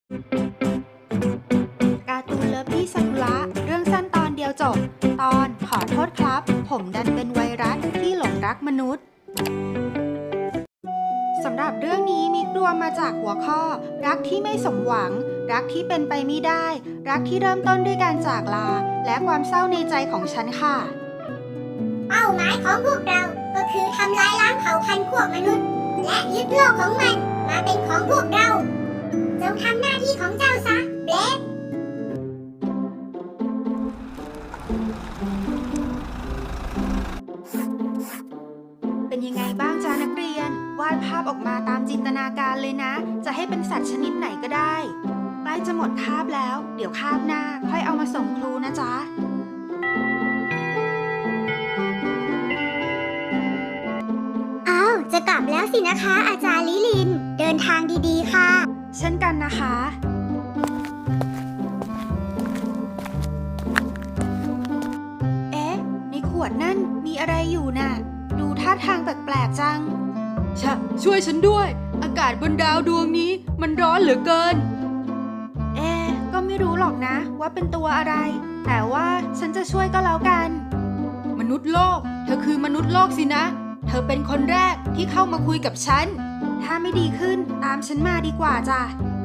การ์ตูนเลิฟลี่ซากุระเรื่องสั้นตอนเดียวจบ ตอนขอโทษครับผมดันเป็นไวรัสที่หลงรักมนุษย์สำหรับเรื่องนี้มิกรวมมาจากหัวข้อรักที่ไม่สมหวังรักที่เป็นไปไม่ได้รักที่เริ่มต้นด้วยการจากลาและความเศร้าในใจของฉันค่ะเป้าหมายของพวกเราก็คือทำลายล้างเผ่าพันธุ์พวกมนุษย์และยึดโลกของมันมาเป็นของพวกเราจงทำหน้าที่ของเจ้าซะเบลดเป็นยังไงบ้างจ้านักเรียนวาดภาพออกมาตามจินตนาการเลยนะจะให้เป็นสัตว์ชนิดไหนก็ได้ใกล้จะหมดคาบแล้วเดี๋ยวคาบหน้าค่อยเอามาส่งครูนะจ๊ะอ้าวจะกลับแล้วสินะคะอาจารย์ลิลินเดินทางดีๆค่ะเช่นกันนะคะเอ๊ะในขวดนั่นมีอะไรอยู่น่ะดูท่าทางแปลกๆจังช่วยฉันด้วยอากาศบนดาวดวงนี้มันร้อนเหลือเกินก็ไม่รู้หรอกนะว่าเป็นตัวอะไรแต่ว่าฉันจะช่วยก็แล้วกันมนุษย์โลกเธอคือมนุษย์โลกสินะเธอเป็นคนแรกที่เข้ามาคุยกับฉันถ้าไม่ดีขึ้นตามฉันมาดีกว่าจ้ะ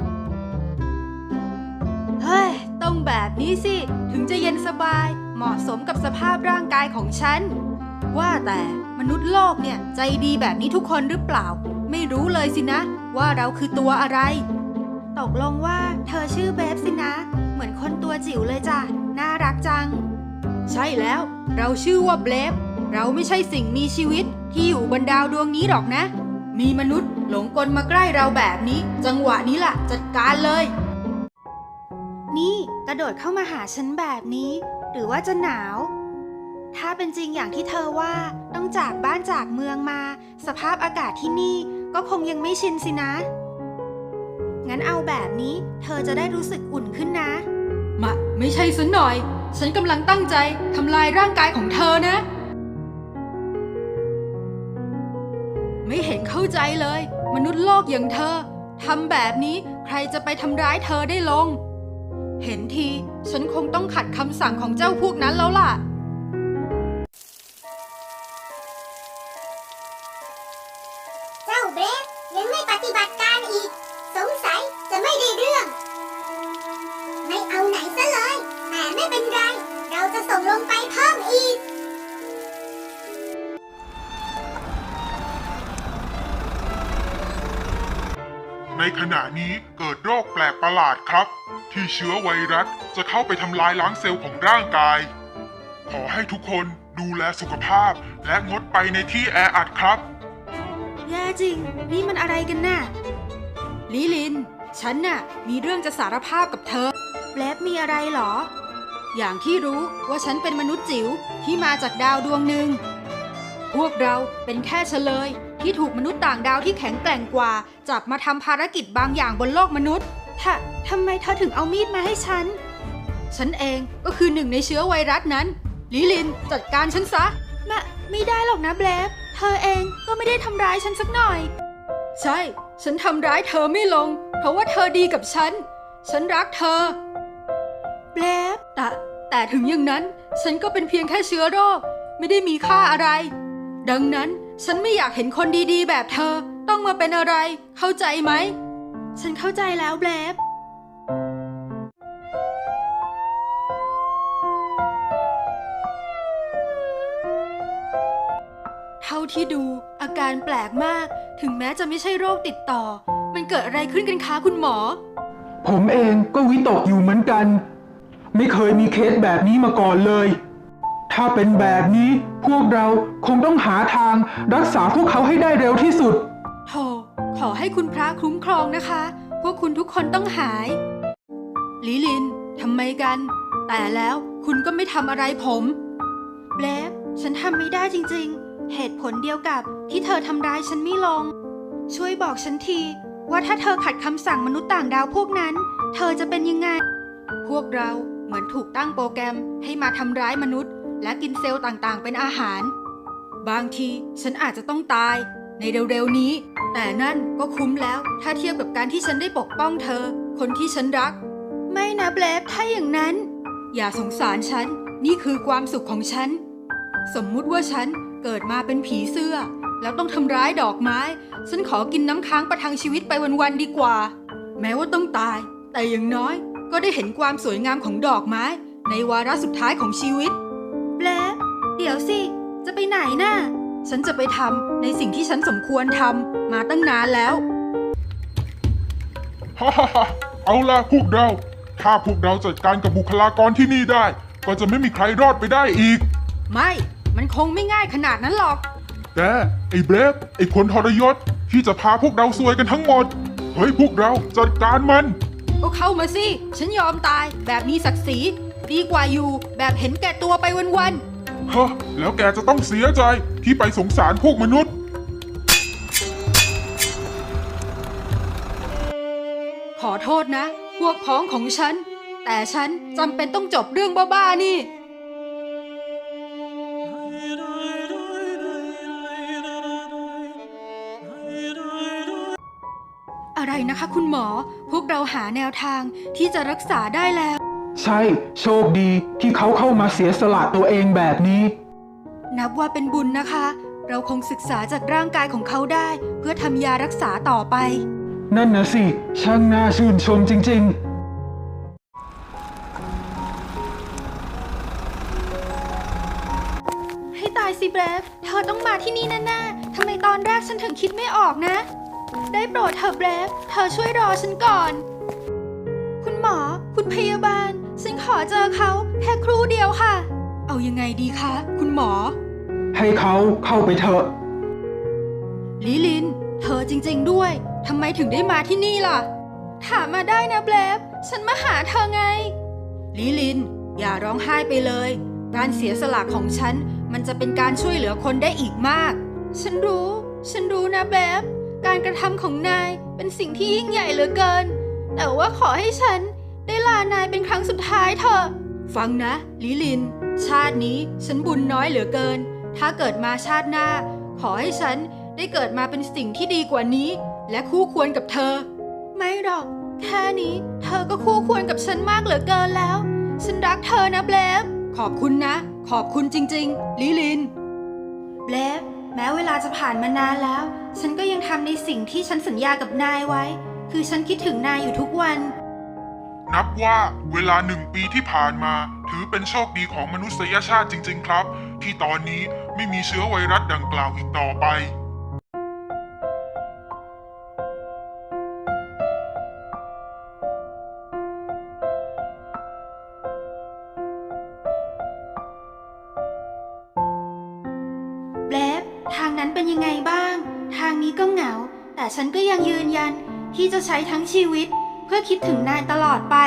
เฮ้ยต้องแบบนี้สิถึงจะเย็นสบายเหมาะสมกับสภาพร่างกายของฉันว่าแต่มนุษย์โลกเนี่ยใจดีแบบนี้ทุกคนหรือเปล่าไม่รู้เลยสินะว่าเราคือตัวอะไรตกลงว่าเธอชื่อเบฟสินะเหมือนคนตัวจิ๋วเลยจ้ะน่ารักจังใช่แล้วเราชื่อว่าเบฟเราไม่ใช่สิ่งมีชีวิตที่อยู่บนดาวดวงนี้หรอกนะมีมนุษย์หลงกลมาใกล้เราแบบนี้จังหวะนี้ล่ะจัดการเลยนี่กระโดดเข้ามาหาฉันแบบนี้หรือว่าจะหนาวถ้าเป็นจริงอย่างที่เธอว่าต้องจากบ้านจากเมืองมาสภาพอากาศที่นี่ก็คงยังไม่ชินสินะงั้นเอาแบบนี้เธอจะได้รู้สึกอุ่นขึ้นนะไม่ใช่สันหน่อยฉันกำลังตั้งใจทำลายร่างกายของเธอนะไม่เห็นเข้าใจเลยมนุษย์โลกอย่างเธอทำแบบนี้ใครจะไปทำร้ายเธอได้ลงเห็นทีฉันคงต้องขัดคำสั่งของเจ้าพวกนั้นแล้วล่ะเจ้าเบลดยังไม่ปฏิบัติการอีกสงสัยจะไม่ได้เรื่องไม่เอาไหนซะเลยแต่ไม่เป็นไรเราจะส่งลงไปเพิ่มอีกในขณะนี้เกิดโรคแปลกประหลาดครับที่เชื้อไวรัสจะเข้าไปทำลายล้างเซลล์ของร่างกายขอให้ทุกคนดูแลสุขภาพและงดไปในที่แออัดครับแย่จริงนี่มันอะไรกันน่ะลิลินฉันน่ะมีเรื่องจะสารภาพกับเธอเบลฟมีอะไรหรออย่างที่รู้ว่าฉันเป็นมนุษย์จิ๋วที่มาจากดาวดวงหนึ่งพวกเราเป็นแค่เฉลยที่ถูกมนุษย์ต่างดาวที่แข็งแกร่งกว่าจับมาทำภารกิจบางอย่างบนโลกมนุษย์ทำไมเธอถึงเอามีดมาให้ฉันเองก็คือหนึ่งในเชื้อไวรัสนั้นลิลินจัดการฉันซะไม่ได้หรอกนะเบลฟเธอเองก็ไม่ได้ทำร้ายฉันสักหน่อยใช่ฉันทำร้ายเธอไม่ลงเพราะว่าเธอดีกับฉันรักเธอเบลฟแต่ถึงอย่างนั้นฉันก็เป็นเพียงแค่เชื้อโรคไม่ได้มีค่าอะไรดังนั้นฉันไม่อยากเห็นคนดีๆแบบเธอต้องมาเป็นอะไรเข้าใจไหมฉันเข้าใจแล้วเบลฟเท่าที่ดูอาการแปลกมากถึงแม้จะไม่ใช่โรคติดต่อมันเกิดอะไรขึ้นกันคะคุณหมอผมเองก็วิตกอยู่เหมือนกันไม่เคยมีเคสแบบนี้มาก่อนเลยถ้าเป็นแบบนี้พวกเราคงต้องหาทางรักษาพวกเขาให้ได้เร็วที่สุดโธ่ขอให้คุณพระคุ้มครองนะคะพวกคุณทุกคนต้องหายลิลินทำไมกันแต่แล้วคุณก็ไม่ทำอะไรผมเบลฟฉันทำไม่ได้จริงๆเหตุผลเดียวกับที่เธอทำร้ายฉันไม่ลงช่วยบอกฉันทีว่าถ้าเธอขัดคำสั่งมนุษย์ต่างดาวพวกนั้นเธอจะเป็นยังไงพวกเราเหมือนถูกตั้งโปรแกรมให้มาทำร้ายมนุษย์และกินเซลล์ต่างๆเป็นอาหารบางทีฉันอาจจะต้องตายในเร็วๆนี้แต่นั่นก็คุ้มแล้วถ้าเทียบกับการที่ฉันได้ปกป้องเธอคนที่ฉันรักไม่นะเบลฟถ้าอย่างนั้นอย่าสงสารฉัน นี่คือความสุขของฉัน สมมุติว่าฉันเกิดมาเป็นผีเสื้อ แล้วต้องทำร้ายดอกไม้ ฉันขอกินน้ำค้างประทังชีวิตไปวันๆดีกว่า แม้ว่าต้องตาย แต่อย่างน้อยก็ได้เห็นความสวยงามของดอกไม้ ในวาระสุดท้ายของชีวิตเบลฟเดี๋ยวสิ จะไปไหนน่ะฉันจะไปทำในสิ่งที่ฉันสมควรทำมาตั้งนานแล้วฮ่าฮ่าฮ่าเอาล่ะพวกเรา ถ้าพวกเราจัดการกับบุคลากรที่นี่ได้ ก็จะไม่มีใครรอดไปได้อีกไม่ มันคงไม่ง่ายขนาดนั้นหรอกแต่ไอ้เบรฟไอ้คนทรยศที่จะพาพวกเราซวยกันทั้งหมด เฮ้ยพวกเราจัดการมันก็เข้ามาสิ ฉันยอมตายแบบมีศักดิ์ศรีดีกว่าอยู่แบบเห็นแก่ตัวไปวันเฮ้อแล้วแกจะต้องเสียใจที่ไปสงสารพวกมนุษย์ๆ ขอโทษนะ พวกพ้องของฉัน แต่ฉันจำเป็นต้องจบเรื่องบ้าๆนี่ อะไรนะคะคุณหมอ พวกเราหาแนวทางที่จะรักษาได้แล้วใช่ โชคดีที่เขาเข้ามาเสียสละตัวเองแบบนี้นับว่าเป็นบุญนะคะ เราคงศึกษาจากร่างกายของเขาได้ เพื่อทำยารักษาต่อไปนั่นนะสิ ช่างน่าชื่นชมจริงให้ตายสิเบรฟเธอต้องมาที่นี่แน่ๆทำไมตอนแรกฉันถึงคิดไม่ออกนะ ได้โปรดเธอเบรฟเธอช่วยรอฉันก่อน คุณหมอ คุณพยาบาล ฉันขอเจอเขาแค่ครู่เดียวค่ะเอายังไงดีคะ คุณหมอๆ ให้เขาเข้าไปเถอะลิลิน เธอจริงๆด้วย ทำไมถึงได้มาที่นี่ล่ะถามมาได้นะเบรฟฉันมาหาเธอไงลิลิน อย่าร้องไห้ไปเลย การเสียสละของฉัน มันจะเป็นการช่วยเหลือคนได้อีกมากฉันรู้นะเบรฟการกระทำของนายเป็นสิ่งที่ยิ่งใหญ่เหลือเกิน แต่ว่าขอให้ฉันได้ลานายเป็นครั้งสุดท้ายเถอะฟังนะลิลิน ชาตินี้ฉันบุญน้อยเหลือเกิน ถ้าเกิดมาชาติหน้า ขอให้ฉันได้เกิดมาเป็นสิ่งที่ดีกว่านี้ และคู่ควรกับเธอไม่หรอก แค่นี้เธอก็คู่ควรกับฉันมากเหลือเกินแล้ว ฉันรักเธอนะเบรฟขอบคุณนะ ขอบคุณจริงๆ ลิลินเบรฟแม้เวลาจะผ่านมานานแล้ว ฉันก็ยังทำในสิ่งที่ฉันสัญญากับนายไว้ คือฉันคิดถึงนายอยู่ทุกวันนับว่าเวลา1 ปีที่ผ่านมา ถือเป็นโชคดีของมนุษยชาติจริงๆครับ ที่ตอนนี้ไม่มีเชื้อไวรัสดังกล่าวอีกต่อไปเบรฟทางนั้นเป็นยังไงบ้าง ทางนี้ก็เหงา แต่ฉันก็ยังยืนยันที่จะใช้ทั้งชีวิต เพื่อคิดถึงนายตลอดไป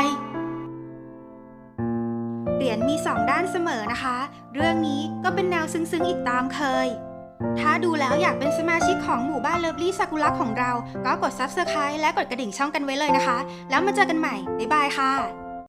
เหรียญมี2 ด้านเสมอนะคะ เรื่องนี้ก็เป็นแนวซึ้งๆอีกตามเคย ถ้าดูแล้วอยากเป็นสมาชิกของหมู่บ้านเลิฟลี่ซากุระของเรา ก็กด Subscribe และกดกระดิ่งช่องกันไว้เลยนะคะ แล้วมาเจอกันใหม่ บ๊ายบายค่ะ